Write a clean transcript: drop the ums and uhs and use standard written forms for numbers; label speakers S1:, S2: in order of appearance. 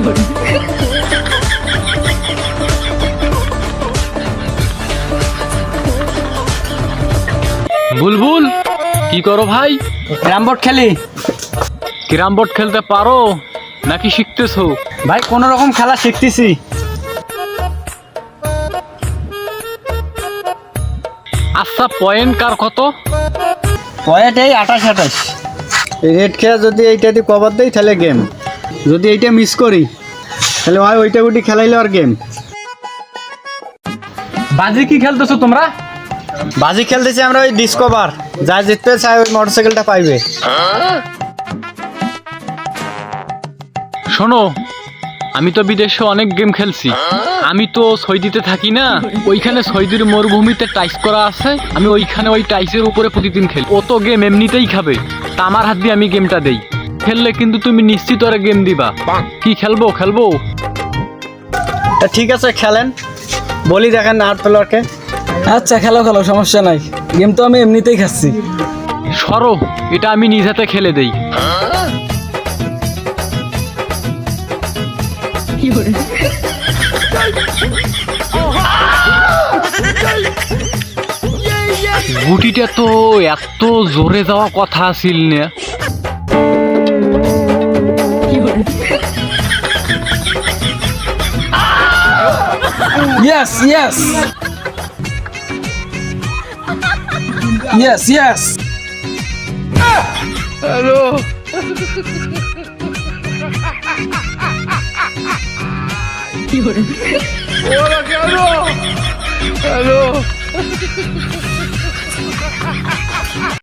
S1: বুলবুল কি করো ভাই?
S2: ক্যারাম বোর্ড খেলি।
S1: ক্যারাম বোর্ড খেলতে পারো নাকি শিখতেছো?
S2: ভাই কোন রকম খেলা শিখতেছি।
S1: আচ্ছা পয়েন্ট কার কত?
S2: পয়েন্ট এই 28-28। রেড খেলা যদি এইটা দিয়ে কভার দেই তাহলে গেম, যদি এইটা মিস করি তাহলে হয় ওইটা উঠি খেলাইলে আর গেম।
S1: বাজি কি খেলতেছো তোমরা?
S2: বাজি খেলতেছি আমরা ওই ডিসকভার, যা জিততে চায় ওই মোটরসাইকেলটা পাইবে।
S1: শোনো, আমি তো বিদেশে অনেক গেম খেলছি। আমি তো সৌদিতে থাকি না, ওইখানে সৌদির মরুভূমিতে টাইস করা আছে। আমি ওইখানে ওই টাইসের উপরে প্রতিদিন খেলি। ও তো গেম এমনিতেই খাবে, তা আমার হাত দিয়ে আমি গেমটা দেই। খেললে কিন্তু তুমি নিশ্চিত ওরা গেম দিবা। কি খেলবো?
S2: তা ঠিক আছে খেলেন, বলি দেখেন আর্ট প্লেয়ারকে।
S3: আচ্ছা খেলো খেলো, সমস্যা নাই। গেম তো আমি এমনিতেই খাচ্ছি।
S1: সরো, এটা আমি নিজ হাতে খেলে দেই। গুটিটা তো এত জোরে যাওয়া কথা আছিল না।
S3: Yes yes yes yes.
S1: Hello, ওরা কেন? হ্যালো।